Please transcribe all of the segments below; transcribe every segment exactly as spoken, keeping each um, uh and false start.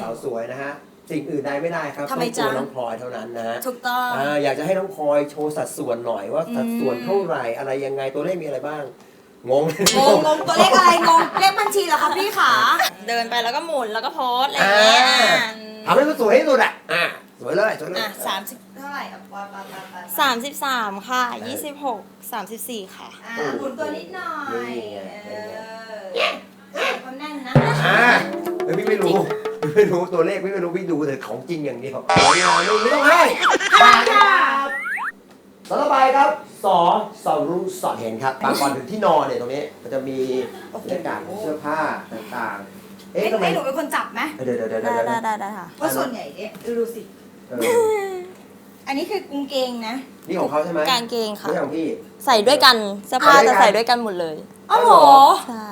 าวสวยนะฮะสิ่งอื่นใดไม่ได้ครับต้องตัวน้องพลอยเท่านั้นนะถูกต้องอ่าอยากจะให้น้องพลอยโชว์สัดส่วนหน่อยว่าสัดส่วนเท่าไหร่อะไรยังไงตัวเลขมีอะไรบ้างงงงงงงตัวเลขอะไรงงเลขบัญชีเหรอคะพี่ขาเดินไปแล้วก็หมุนแล้วก็โพสอะไรอย่างเงี้ยทำให้มันสวยที่สุดอ่ะอ่ะสวยเลยสวยเลยอ่ะสามสิบเท่าไหร่อ่ะปปปปสามสิบสามค่ะยี่สิบหกสามสิบสี่ค่ะอ่ะหมุนตัวนิดหน่อยเออเขาแน่นนะอ่าเออพี่ไม่รู้พี่ไม่รู้ตัวเลขพี่ไม่รู้พี่ดูแต่ของจริงอย่างเดียวไม่ไม่ต้องให้ครับต่อไปครับสอสอรู้สอดเห็นครับบางก่อนถึงที่นอนเนี่ยตรงนี้มันจะมีบรรยากาศของเสื้อผ้าต่างๆเอ๊ะทำไมหนูเป็นคนจับไหมเดี๋ยวเดี๋ยวเดี๋ยวได้ได้ได้ได้ค่ะเพราะส่วนใหญ่เนี่ยดูสิอันนี้คือกางเกงนะนี่ของเขาใช่ไหมกางเกงค่ะไม่ใช่ของพี่ใส่ด้วยกันเสื้อผ้าจะใส่ด้วยกันหมดเลยอ๋อเหรอใช่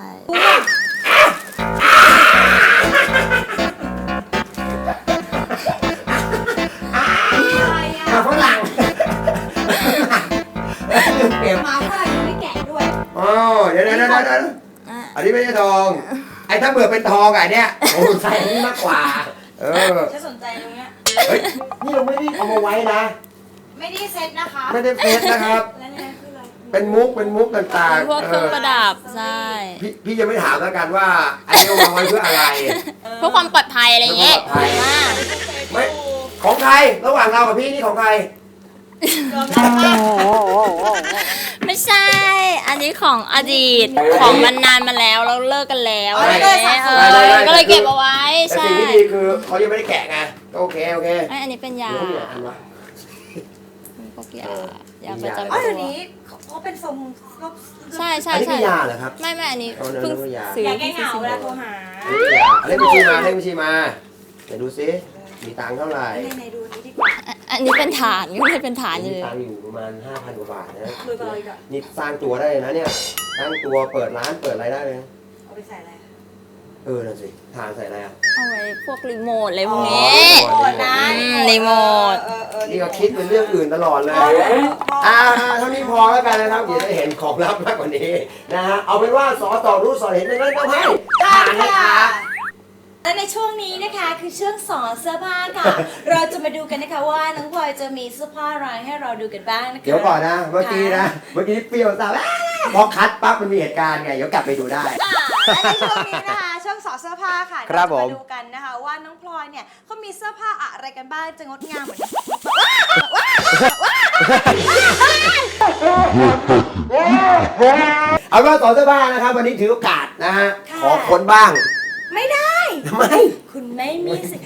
มาฝรั่งเก็บมาฝรั่งยังไม่แกะด้วยอ๋อเดี๋ยวเดี๋ยวเดี๋ยวเดี๋ยวอันนี้ไม่ใช่ทองไอ้ถ้าเบื่อเป็นทองไอ้เนี่ยโอ้ใส่อันนี้มากกว่าเออจะสนใจตรงเนี้ยเฮ้ยนี่เราไม่ได้เอามาไว้นะไม่ได้เซ็ตนะคะไม่ได้เซ็ตนะครับแล้วเนี่ยคืออะไรเป็นมุกเป็นมุกต่างๆพวกเครื่องประดับใช่พี่พี่จะไม่ถามแล้วกันว่าไอ้นี่เอามาไว้เพื่ออะไรเพื่อความปลอดภัยอะไรอย่างเงี้ยไม่ของใครระหว่างเรากับพี่นี่ของใครไม่ใช่อันนี้ของอดีตของมันนานมาแล้วเราเลิกกันแล้วก็เลยเก็บเอาไว้ใช่แต่สิ่งที่ดีคือเขายังไม่ได้แกะไงโอเคโอเคอันนี้เป็นยาพวกยายาประจำตัวอ๋อเดี๋ยวนี้เขาเป็นทรงใช่ใช่ใช่อันนี้เป็นยาเหรอครับไม่ไม่อันนี้เพิ่งซื้อยาแก้เหงาเวลาโทรหาเลขบัญชีมาเลขบัญชีมาเดี๋ยวดูซิมีตังค์เท่าไหร่ไหนดูนี้ดีกว่าอันนี้เป็นฐานก็ไม่เป็นฐานอยู่มีตังค์อยู่ประมาณห้าพันกว่าบาทนะนี่สร้างตัวได้เลยนะเนี่ยสร้างตัวเปิดร้านเปิดอะไรได้เลยเอาไปใส่อะไรเออนั่นสิฐานใส่อะไรอ่ะเอาไว้พวกรีโมทอะไรพวกนี้รีโมทนี่ก็คิดเป็นเรื่องอื่นตลอดเลยอ่าเท่านี้พอแล้วกันนะครับเดี๋ยวจะเห็นของลับมากกว่านี้นะฮะเอาเป็นว่าสอต่อรู้สอเห็นในนั้นก็ให้ผ่านนะคะและในช่วงนี้นะคะคือช่วงสอนเสื้อผ้าค่ะเราจะมาดูกันนะคะว่าน้องพลอยจะมีเสื้อผ้าอะไรให้เราดูกันบ้างนะคะเดี๋ยวก่อนนะเมื่อกี้นะเมื่อกี้เปรี้ยวสาวพอคัดปั๊บมันมีเหตุการณ์ไงเดี๋ยวกลับไปดูได้และในช่วงนี้นะคะช่วงสอนเสื้อผ้าค่ะเราจะมาดูกันนะคะว่าน้องพลอยเนี่ยเขามีเสื้อผ้าอะไรกันบ้างจะงดงามเหมือนเอาว่าสอนเสื้อผ้านะครับวันนี้ถือโอกาสนะฮะขอค้นบ้างไม่ได้ทำไมคุณไม่มีสิ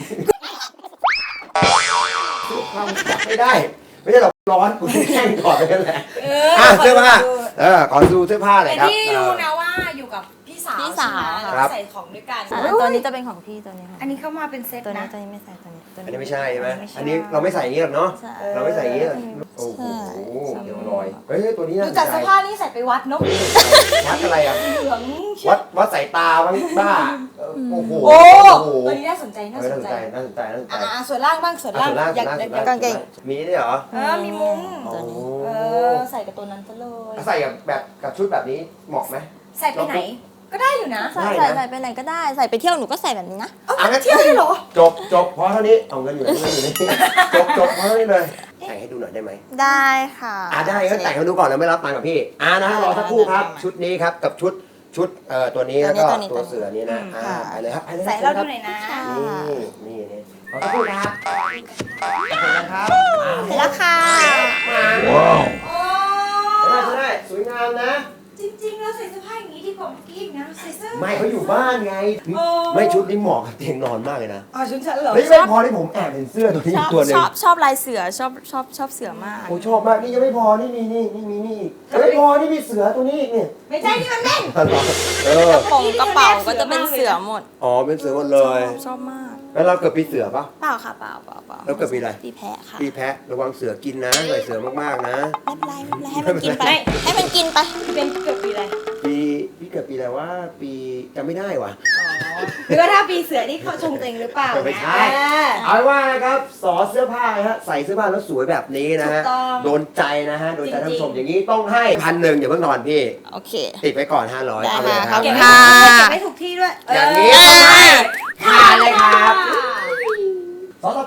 ไม่ได้ไม่ใช่หรอกร้อนคุณแข่งก่อนไปกันแหละอ่ะเสื้อผ้าเออขอดูเสื้อผ้าเลยครับแต่ที่รู้นะว่าอยู่กับพี่สาวพี่สาวใส่ของด้วยกันตัวนี้จะเป็นของพี่ตัวนี้อันนี้เข้ามาเป็นเซ็ตนะตัวนี้ตัวนี้ไม่ใส่ตัวนี้อันนี้ไม่ใช่ใช่ไหมอันนี้เราไม่ใส่อย่างนี้หรอกเนาะเราไม่ใส่อย่างนี้โอ้โหเดี๋ยวลอยเฮ้ยตัวนี้ดูจากเสื้อผ้านี่ใส่ไปวัดเนาะวัดอะไรอ่ะเหลืองวัดวัดสายตาบ้างบ้าโอ้โหตัวนี้น่าสนใจน่าสนใจน่าสนใจน่าสนใจอ่าส่วนล่างบ้างส่วนล่างอยากกางเกงมีด้วยเหรอเออมีมุ้งเออใส่กับตัวนั้นซะเลยใส่กับแบบกับชุดแบบนี้เหมาะไหมใส่ไปไหนก็ได้อยู่นะใส่ใส่ไปไหนก็ได้ใส่ไปเที่ยวหนูก็ใส่แบบนี้นะเอาไปเที่ยวได้เหรอจบจบพอเท่านี้เอาเงินอยู่ในเงินอยู่ในจบจบพอเท่านี้เลยแต่งให้ดูหน่อยได้ไหมได้ค่ะอ่าได้ก็แต่งให้ดูก่อนแล้วไม่รับตังค์กับพี่อ่านะรอสักครู่ครับชุดนี้ครับกับชุดชุดเอ่อตัวนี้แล้วก็ตัวเสือนี้นะอ่าไปเลยครับไปเลยใส่เราดูหน่อยนะนี่นี่นี่รอสักครู่ครับเสร็จแล้วครับเสร็จแล้วค่ะว้าวได้ได้สวยงามนะจริงๆแล้วใส่เสื้อผ้าอย่างนี้ดีกว่าเมื่อกี้นะใส่เสื้อไม่เขาอยู่บ้านไงไม่ชุดนี้เหมาะกับเตียงนอนมากเลยนะอ๋อชุดฉันเหรอไม่ไม่พอที่ผมแอบเห็นเสื้อตัวนี้ตัวนึงชอบชอบลายเสือชอบชอบชอบเสือมากโอ้ชอบมากนี่ยังไม่พอนี่มีนี่นี่มีนี่ยังไม่พอนี่มีเสือตัวนี้นี่ไม่ใช่นี่มันแม่งเออกระโปรงกระเป๋าก็จะเป็นเสือหมดอ๋อเป็นเสือหมดเลยชอบมากแล้วเราเกิดปีเสือปะเปล่าค่ะเปล่าเปล่าเปล่าแล้วเกิดปีอะไรปีแพะค่ะปีแพะระวังเสือกินนะใส่เสือมากๆนะไม่เป็นไรไม่เป็นไรให้มันกินไปให้มันกินไปเป็นเกิดปีอะไรปีพี่เกิดปีอะไรว่าปีจำไม่ได้ว่ะหรือว่าถ้าปีเสือนี่เขาชงตัวเองหรือเปล่าไม่ใช่เอาว่านะครับสอเสื้อผ้าฮะใส่เสื้อผ้าแล้วสวยแบบนี้นะฮะโดนใจนะฮะโดนใจท่านผู้ชมอย่างนี้ต้องให้พันหนึ่งอย่าเพิ่งนอนพี่โอเคติดไปก่อนห้าร้อยเอาเลยครับเก็บค่ะเก็บไม่ถูกที่ด้วยอย่างนี้ผ่านเลยครับ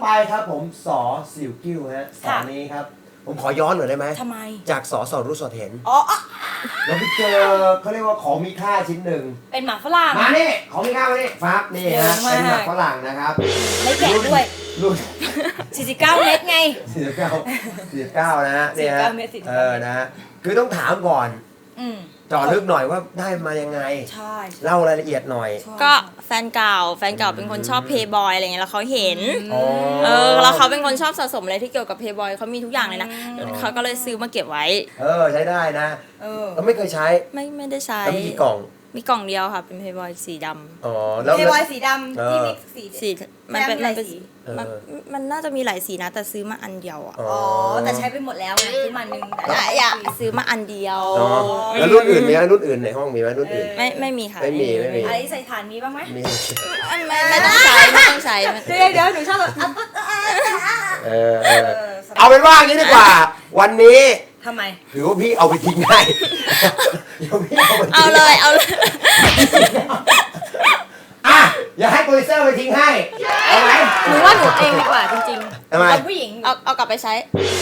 ไปครับผมสอสิวกิ้วฮะสอค่ะนี้ครับผมขอย้อนหน่อยได้ไหมทำไมจากสอสอรู้สอดเห็นอ๋ออ๋อเราไปเจอเขาเรียกว่าของมีค่าชิ้นหนึ่งเป็นหมาฝรั่งมานี่ของมีค่ามานี่ฟับนี่เยฮะอะมากเป็นหมักฝรั่งนะครับไม่แกะด้วยรุ่นสี่สิบเก้าเม็ดไงสี่สิบเก้าสี่สิบเก้านะฮะเนี่ยฮะสี่สิบเก้าเมตรสี่สิบเอเก้าอนะฮะคือต้องถามก่อนอืมเจาะลึกหน่อยว่าได้มายังไงใช่เล่ารายละเอียดหน่อยก็แฟนเก่าแฟนเก่าเป็นคนชอบเพย์บอยอะไรเงี้ยแล้วเขาเห็นอ๋อเออแล้วเขาเป็นคนชอบสะสมอะไรที่เกี่ยวกับเพย์บอยเขามีทุกอย่างเลยนะเขาก็เลยซื้อมาเก็บไว้เออใช้ได้นะเออเราไม่เคยใช้ไม่ไม่ได้ใช้แล้วมีกี่กล่องมีกล่องเดียวค่ะเป็นเพย์บอยสีดำอ๋อแล้วเทบอยสีดำที่มีสีสีมันเป็นมันเป็นเออมันมันน่าจะมีหลายสีนะแต่ซื้อมาอันเดียวอ่ะอ๋ออ๋อ แต่ใช้ไปหมดแล้วไงซื้อมาหนึ่งแต่อ่ะอยากซื้อมาอันเดียวอ๋อแล้วรุ่นอื่นมีไหมรุ่นอื่นในห้องมีไหมรุ่นอื่นไม่ไม่มีค่ะไม่มีไม่มีอะไรใส่ฐานนี้บ้างไหมมีไม่ไม่ไม่ต้องใช้ไม่ต้องใช้ไม่เดี๋ยวเดี๋ยวหนูชอบแบบอ่ะอ่ะอ่ะอ่ะเออเออเอาเป็นว่างี้ดีกว่า วันนี้ทำไมถือว่าพี่เอาไปทิ้งได้ เดี๋ยวพี่เอาไปทิ้งเอาเลยเอาเลยอ่ะอย่าให้โปรดิวเซอร์ไปทิ้งให้เอาไหมหนูว่าหนูเองดีกว่าจริงๆทำไมเป็นผู้หญิงเอาเอากลับไปใช้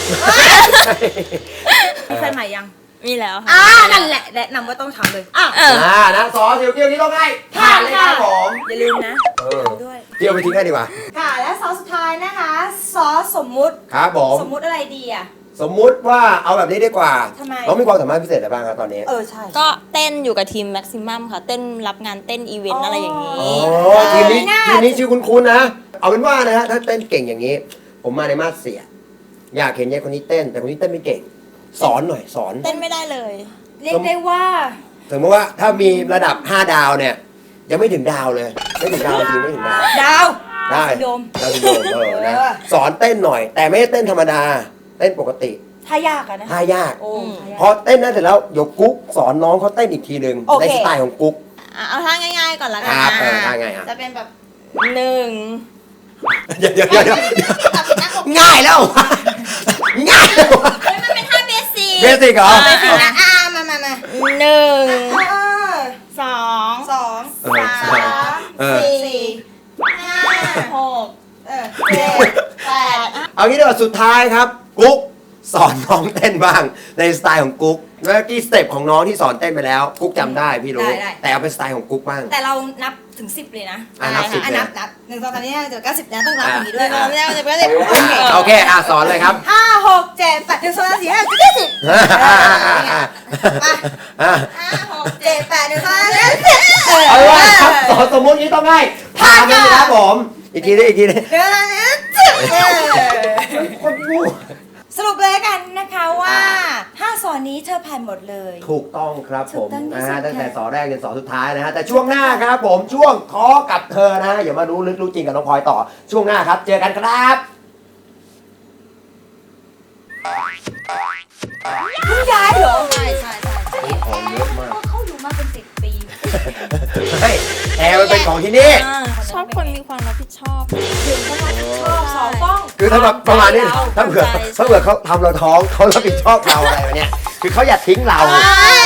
มีแฟนใหม่ยังมีแล้วค่ะอ่านั่นแหละแนะนำว่าต้องทำเลยอ่ะเอออ่านะสอสิวเกียวนี้ต้องให้ผ่านเลยครับผมอย่าลืมนะเออด้วยเกียวไปทิ้งให้ดีกว่าค่ะและซอสสุดท้ายนะคะซอสสมมุติครับผมสมมุติอะไรดีอ่ะสมมุติว่าเอาแบบนี้ดีกว่าทำไมน้องมีความสามารถพิเศษอะไรบ้างครับตอนนี้เออใช่ก็เต้นอยู่กับทีมแม็กซิมัมค่ะ เต้นรับงานเต้นอีเวนต์อะไรอย่างนี้อ๋อทีมนี้ทีมนี้ชื่อคุ้นๆนะ เอาเป็นว่านะฮะถ้าเต้นเก่งอย่างนี้ ผมมาในมาสเสีย อยากเห็นยายคนนี้เต้น แต่คนนี้เต้นไม่เก่ง สอนหน่อยสอนเต้นไม่ได้เลยเรียกได้ว่าสมมติว่าถ้ามีระดับห้าดาวเนี่ย ยังไม่ถึงดาวเลย ไม่ถึงดาวจริงไม่ถึงดาวดาวได้ซินโดรมดาวซินโดรมเออนะเออสอนเต้นหน่อย แต่ไม่ได้เต้นธรรมดา เต้นปกติถ้ายากอะนะท่ายากโอ้อืมท่ายากพอเต้นนั้นเสร็จแล้วเดี๋ยวกุ๊กสอนน้องเขาเต้นอีกทีหนึ่งโอเคในสไตล์ของกุ๊กอ่ะเอาท่าง่ายๆก่อนละกันครับนะเออท่าไงอ่ะจะเป็นแบบหนึ่งเดี๋ยวเดี๋ยวเดี๋ยวเดี๋ยวง่ายแล้ว ง่ายแล้วเฮ้ยมันเป็นท่าเบสิกเบสิกเหรออ่ะไปสินะอ่ามามามาหนึ่งเออสองสองเออสามเออสี่ห้าหกเออเจ็ดแปดเอางี้ดีกว่าสุดท้ายครับ กุ๊กสอนน้องเต้นบ้าง ในสไตล์ของกุ๊กเมื่อกี้สเต็ปของน้องที่สอนเต้นไปแล้ว กุ๊กจำได้พี่รู้ แต่เอาเป็นสไตล์ของกุ๊กบ้างแต่เรานับถึงสิบเลยนะอ่ะนับสิบอ่ะเลยนับนับหนึ่งสองสามสี่ห้าหกเจ็ดแปดเก้าสิบนะต้องนับอย่างนี้ด้เดี๋วยยวเราไม่ได้จะไม่ได้โอเคอ่ะสอนเลยครับห้าหกเจ็ดแปดหนึ่งสองสามสี่ห้าหกเจ็ดแปดเก้าสิบอ่าอ่าอ่าอ่าอ่าห้าหกเจ็ดแปดหนึ่งสองสามสี่ห้าหกเจ็ดแปดเอาเป็นว่าครับสอนสมมตินี้ต้องให้ผ่านเลยนะครับผม อีกทีนึงอีกทีนึงหนึ่งสองสามสี่ห้าหกเจ็ดแปดคนงูสรุปเลยกันนะคะว่าห้าสอนนี้เธอผ่านหมดเลยถูกต้องครับผมถูกต้องที่นะสุฮะดตั้งแต่ค่ะสอนแรกจนสอนสุดท้ายนะฮะแต่ช่วงหน้าครับผมช่วงขอกับเธอนะฮะอย่ามารู้ลึกรู้จริงกับน้องพลอยต่อช่วงหน้าครับ เจอกันครับเพิ่งย้ายเหรอใช่ใช่ใช่จะเห็นแอร์ว่าเขาอยู่มาเป็นสิบปีเฮ้ยแอร์มันเป็นของที่นี่อ่าชอบคนมีความรับผิดชอบถึงเขารับผิดชอบสองป้องคือถ้าแบบประมาณนี้เราถ้าเผื่อใจถ้าเผื่อเขาทำเราท้องเขารับผิดชอบเราอะไรวะเนี่ยคือเขาอยากทิ้งเราอ่า